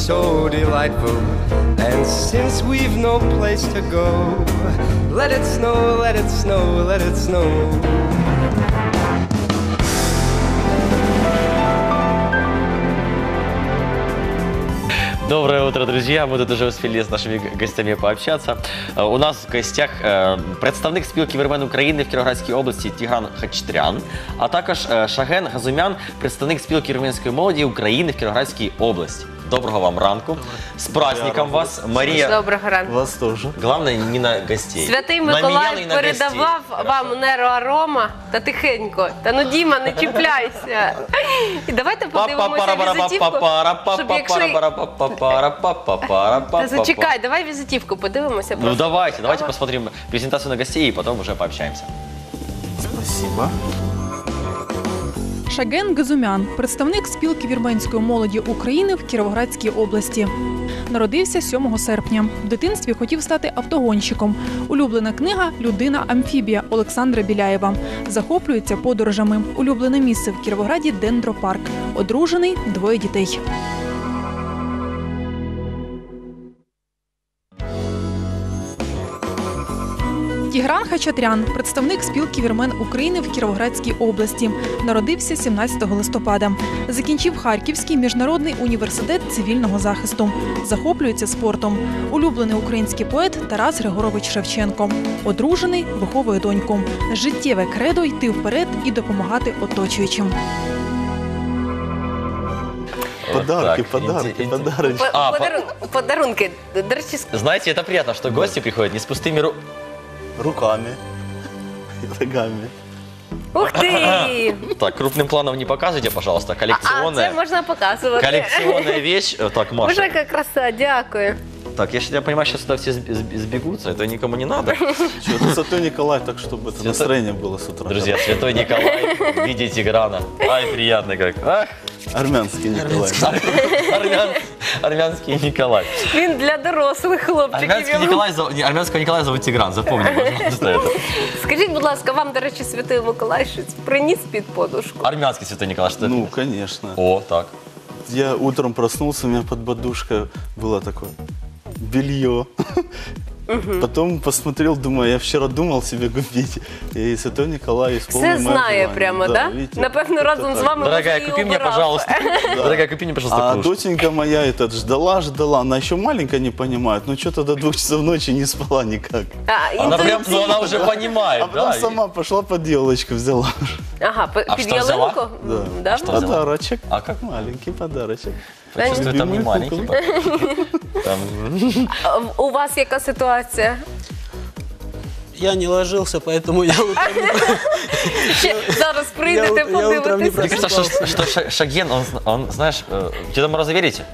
so delightful. And since we've no place to go, let it snow, let it snow, let it snow. Доброе утро, друзья! Мы тут уже успели с нашими гостями пообщаться. У нас в гостях представник спілки вірмен України в Кіровоградській області Тігран Хачатрян, а також Шаген Газумян, представник спілки вірменської молоді України в Кіровоградській області. Доброго вам ранку. С праздником вас, Мария. Доброго ранку. Вас тоже. Главное, не на гостей. Святий Миколай передавав вам нейроарома та тихенько. Та ну, Діма, не чіпляйся. І давайте подивимося візитівку, щоб якщо... Та зачекай, давай візитівку подивимося. Ну давайте посмотрим презентацию на гостей и потом уже пообщаемся. Спасибо. Шаген Газумян – представник спілки вірменської молоді України в Кіровоградській області. Народився 7 серпня. В дитинстві хотів стати автогонщиком. Улюблена книга «Людина-амфібія» Олександра Біляєва. Захоплюється подорожами. Улюблене місце в Кіровограді – Дендропарк. Одружений, 2 дітей. Тігран Хачатрян – представник спілки вірмен України в Кіровоградській області. Народився 17 листопада. Закінчив Харківський міжнародний університет цивільного захисту. Захоплюється спортом. Улюблений український поет Тарас Григорович Шевченко. Одружений, виховує доньку. Життєве кредо – йти вперед і допомагати оточуючим. Подарки, подарки. Подарунки. До речі, знаете, это приятно, что гости приходят не с пустыми руками и ногами. Ух ти! Так, крупным планом не показывайте, пожалуйста. Коллекционная. Це можна показувати. Коллекционная вещь. Так, Маша. Боже, яка краса, дякую. Так, я понимаю, сейчас сюда все сбегутся, это никому не надо. Что-то Святой Николай, так чтобы это настроение было с утра. Друзья, Святой Николай в виде Тиграна. Ай, приятный как. Ах. Армянский Николай. Армянский Николай. Він для дорослих хлопчиків. Армянского Николая зовут Тигран, запомни, пожалуйста, это. Скажіть, будь ласка, вам, до речі, Святий Миколай щось приніс під подушку? Армянский Святой Николай, что это? Ну, конечно. О, так. Я утром проснулся, у меня под подушкой было такое белье. Потом посмотрел, думаю, я вчера думал себе купить. И Святой Николай исполнил Все мое знає желание. прямо, да? Видите, Напевно, разом з вами Дорогая, може, і купи мне, убирав. пожалуйста. Дорогая, купи мне, пожалуйста, А кружку. доченька моя ждала, она еще маленькая, не понимает, но что-то до 2 часов ночи не спала никак. Она прям, ну, она уже понимает, А потом да? сама пошла под елочку взяла. Ага, під що взяла? ялинку? Да. Что взяла? Подарочек. А как? Маленький подарочек. Почувствую, там не Любимую маленький. Там... У вас яка ситуація? Я не ложился, поэтому я утром Зараз прийдете, я утром не подивитися. Мне кажется, что Шаген, он, знаешь, Деда Мороза верите?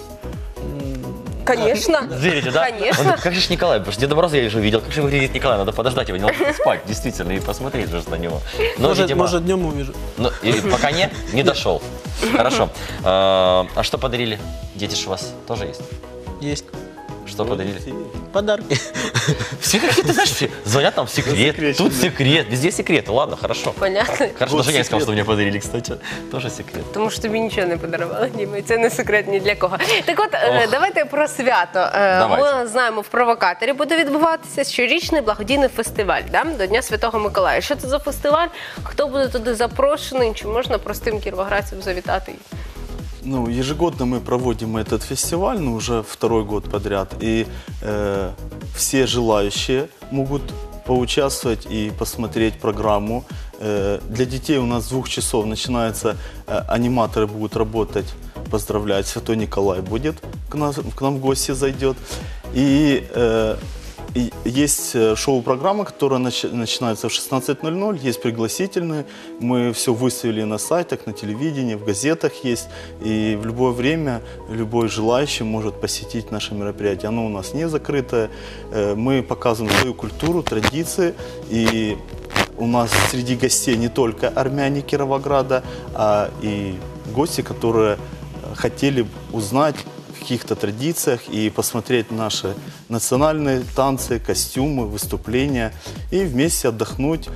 Конечно. Верите, да? Конечно. Как же Николай, потому что Деда Мороза я уже видел, как же выглядит Николай, надо подождать его, не ложиться спать, действительно, и посмотреть же на него. Но, видимо, может днем увижу. но, и пока не дошел. Хорошо. А что подарили? Дети ж у вас тоже есть? Есть Что подарили? подарки. Все какие-то, знаешь, все звонят там секрет, Засекреченные. тут секрет, везде секреты, ладно, хорошо. Понятно. Хорошо, Вот даже я не сказал, секрет. что мне подарили, кстати, тоже секрет. Тому що тобі нічого не подарували, Діма, і це не секрет ні для кого. Так от, давайте про свято. Давайте. Ми знаємо, в Провокаторі буде відбуватися щорічний благодійний фестиваль, да? До Дня Святого Миколая. Що це за фестиваль? Хто буде туди запрошений? Чи можна простим кіровоградцям завітати? Ну, ежегодно мы проводим этот фестиваль, ну, уже 2-й год подряд, и все желающие могут поучаствовать и посмотреть программу. Для детей у нас с 2 часов начинается, аниматоры будут работать, поздравлять, Святой Николай будет к нам в гости зайдет. И есть шоу-программа, которая начинается в 16:00, есть пригласительные. Мы все выставили на сайтах, на телевидении, в газетах есть. И в любое время любой желающий может посетить наше мероприятие. Оно у нас не закрытое. Мы показываем свою культуру, традиции. И у нас среди гостей не только армяне Кировограда, а и гости, которые хотели узнать о каких-то традициях и посмотреть наши национальные танцы, костюмы, выступления и вместе отдохнуть,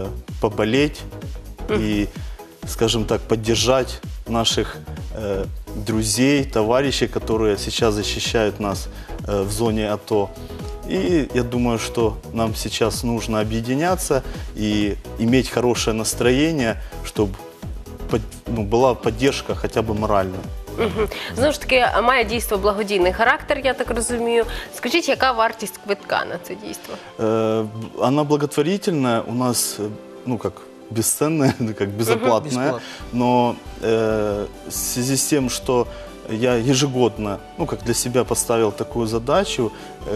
поболеть и, скажем так, поддержать наших друзей, товарищей, которые сейчас защищают нас в зоне АТО. И я думаю, что нам сейчас нужно объединяться и иметь хорошее настроение, чтобы была поддержка хотя бы моральная. Знову ж таки, має дійство благодійний характер, я так розумію. Скажіть, яка вартість квитка на це дійство? Она благотворительная, у нас, бесценная, как безоплатная, но в связи с тем, что я ежегодно, для себя поставил такую задачу,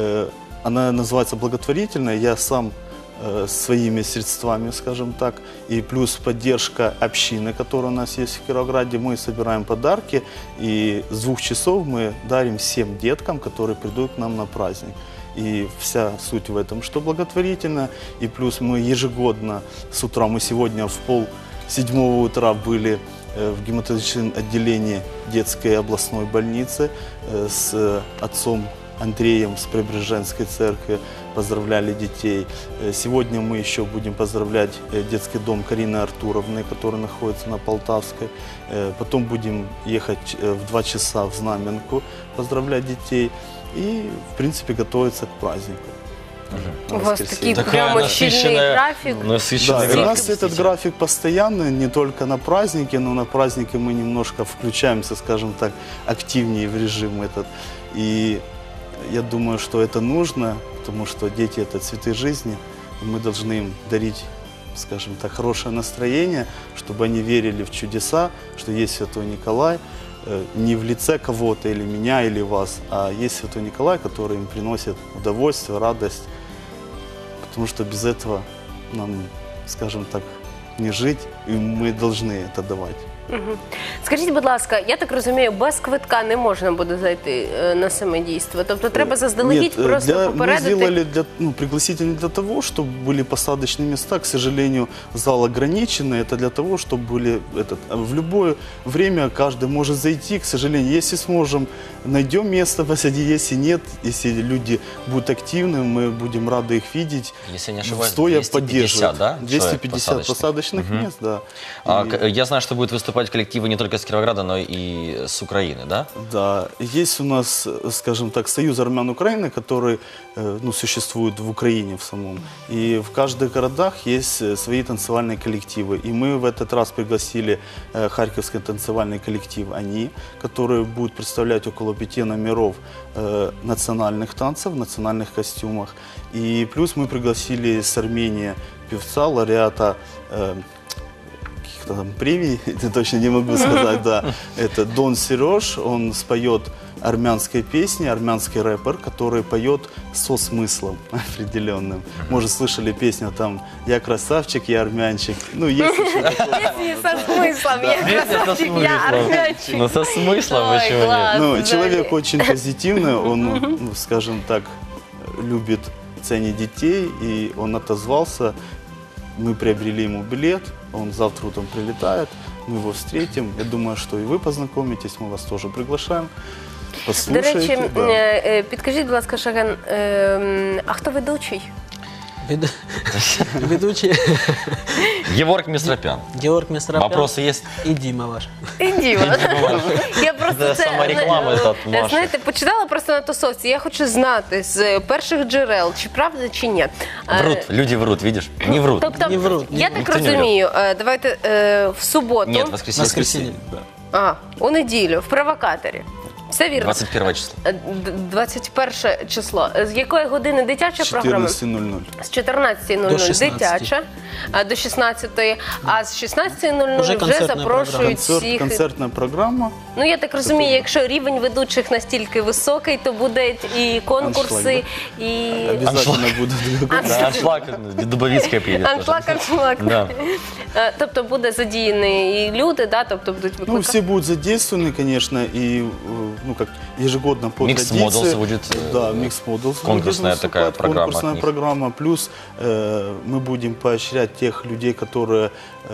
она называется благотворительная, я сам своими средствами, скажем так, и плюс поддержка общины, которая у нас есть в Кировограде, мы собираем подарки, и с 2 часов мы дарим всем деткам, которые придут к нам на праздник. И вся суть в этом, что благотворительно, и плюс мы ежегодно с утра, мы сегодня в 6:30 утра были в гематологическом отделении детской областной больницы с отцом Андреем с Преображенской церкви, поздравляли детей. Сегодня мы еще будем поздравлять детский дом Карины Артуровны, который находится на Полтавской. Потом будем ехать в 2 часа в Знаменку, поздравлять детей и, в принципе, готовиться к празднику. У вас такий прямо щільний графік. Да, у нас этот график постоянный, не только на праздники, но на праздники мы немножко включаемся, скажем так, активнее в режим этот. И я думаю, что это нужно, потому что дети – это цветы жизни, и мы должны им дарить, скажем так, хорошее настроение, чтобы они верили в чудеса, что есть Святой Николай, не в лице кого-то или меня, или вас, а есть Святой Николай, который им приносит удовольствие, радость, потому что без этого нам, скажем так, не жить, и мы должны это давать. Скажіть, будь ласка, я так розумію, без квитка не можна буде зайти на саме дійство? Тобто треба заздалегідь просто попередити? Мы сделали пригласительно для того, чтобы были посадочные места. К сожалению, зал ограниченный. Это для того, чтобы были... в любое время каждый может зайти. К сожалению, если сможем, найдем место посадить. Если нет, если люди будут активны, мы будем рады их видеть. Если не ошибаюсь, стоя 250, да? 250 посадочных мест, да. Я знаю, что будет выступать коллективы не только с Кировограда, но и с Украины, да? Да, есть у нас, скажем так, Союз армян Украины, который существует в Украине в самом. И в каждых городах есть свои танцевальные коллективы. И мы в этот раз пригласили Харьковский танцевальный коллектив «Они», который будет представлять около 5 номеров национальных танцев, в национальных костюмах. И плюс мы пригласили с Армении певца, лауреата там премий, это точно не могу сказать, да. Это Дон Сереж, он споет армянской песни, армянский рэпер, который поет со смыслом определенным. Может, слышали песню там «Я красавчик, я армянчик». Есть еще Песни со смыслом, я красавчик, я армянчик. Ну, со смыслом, почему нет? Человек очень позитивный, он, скажем так, любит, ценит детей, и он отозвался. Мы приобрели ему билет, он завтра утром прилетает, мы его встретим. Я думаю, что и вы познакомитесь, мы вас тоже приглашаем. До Послушайте. речі, підкажіть, будь ласка, Шаген, а хто ведучий? Ведущий Георг Мистропян. Георг Мистропян. Вопросы есть? И Дима ваш. І Діма. Я просто Це самореклама, це Маша. знаєте, почитала просто на тусовці. Я хочу знати з перших джерел, чи правда, чи ні. Врут, люди врут, видишь? Не врут. Тобто, Не врут, я так ніхто не розумію, давайте в суботу, Нет, воскресенье. Воскресенье. у неділю, в провокаторі. Все вірно? 21 число. 21 число. З якої години дитяча програма? 14:00. З 14:00 До 16. дитяча, до 16:00, а з 16:00 Уже вже концертна запрошують всіх. Концертная программа. Ну, я так розумію, якщо рівень ведучих настільки високий, то будуть і конкурси, і... Обязательно будут. Да, аншлаг, Дубовицкая приедет. Аншлаг. Да. Тобто буде задіяні і люди, да? Тобто будуть викликати. Все будут задействованы, конечно, и как ежегодно по Mixed традиции. Models будет, Да, Mixed Models. конкурсная будет такая выступать, программа от Конкурсная них. программа. Плюс мы будем поощрять тех людей, которые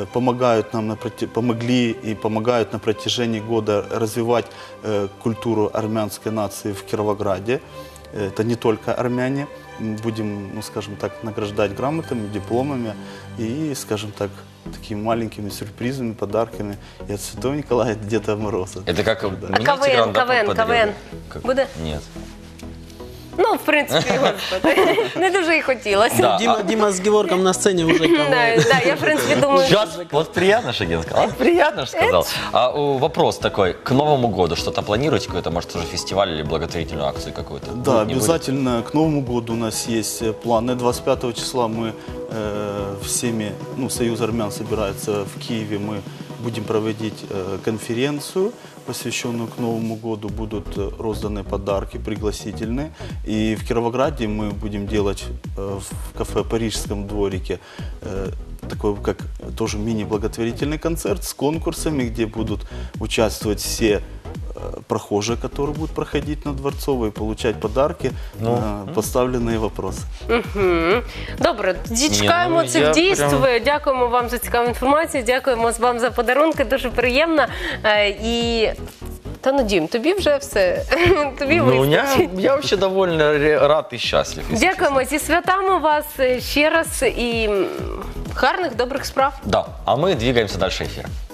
помогли и помогают на протяжении года развивать культуру армянской нации в Кировограде. это не только армяне. Будем, ну, скажем так, награждать грамотами, дипломами и, скажем так, такими маленькими сюрпризами, подарками и от Святого Николая, и от Деда Мороза. Это как А мне Тигран, да, КВН подарил? Как? буде? Нет. Ну, в принципі, господи, не дуже і хотілося. Да. Дима с Геворгом на сцене уже Да, КВН. да, я, в принципі, думаю, Сейчас, вот приятно, Шаген сказал. Приятно, что сказал. Вопрос такой, к Новому году что-то планируете? Какой-то, может, уже фестиваль или благотворительную акцию какую-то? Да, Будет, не будет? обязательно к Новому году у нас есть планы. 25 числа мы всеми, ну, Союз армян собирается в Киеве, мы будем проводить конференцию, посвященную к Новому году. Будут розданы подарки пригласительные. И в Кировограде мы будем делать в кафе «Парижском дворике» такой, как тоже мини-благотворительный концерт с конкурсами, где будут участвовать все прохожие, которые будут проходить на Дворцовой, получать подарки на поставленные вопросы. Добре, тоді чекаємо ну, цих я дійств. прям- Дякуємо вам за цікаву інформацію, дякуємо вам за подарунки, дуже приємно. І та ну, Дім, тобі вже все. Тобі Ну, вистачить. я вообще довольно рад и счастлив. если Дякуємо, зі святами вас ще раз і гарних, добрих справ. честно. Да, а мы двигаемся дальше эфира.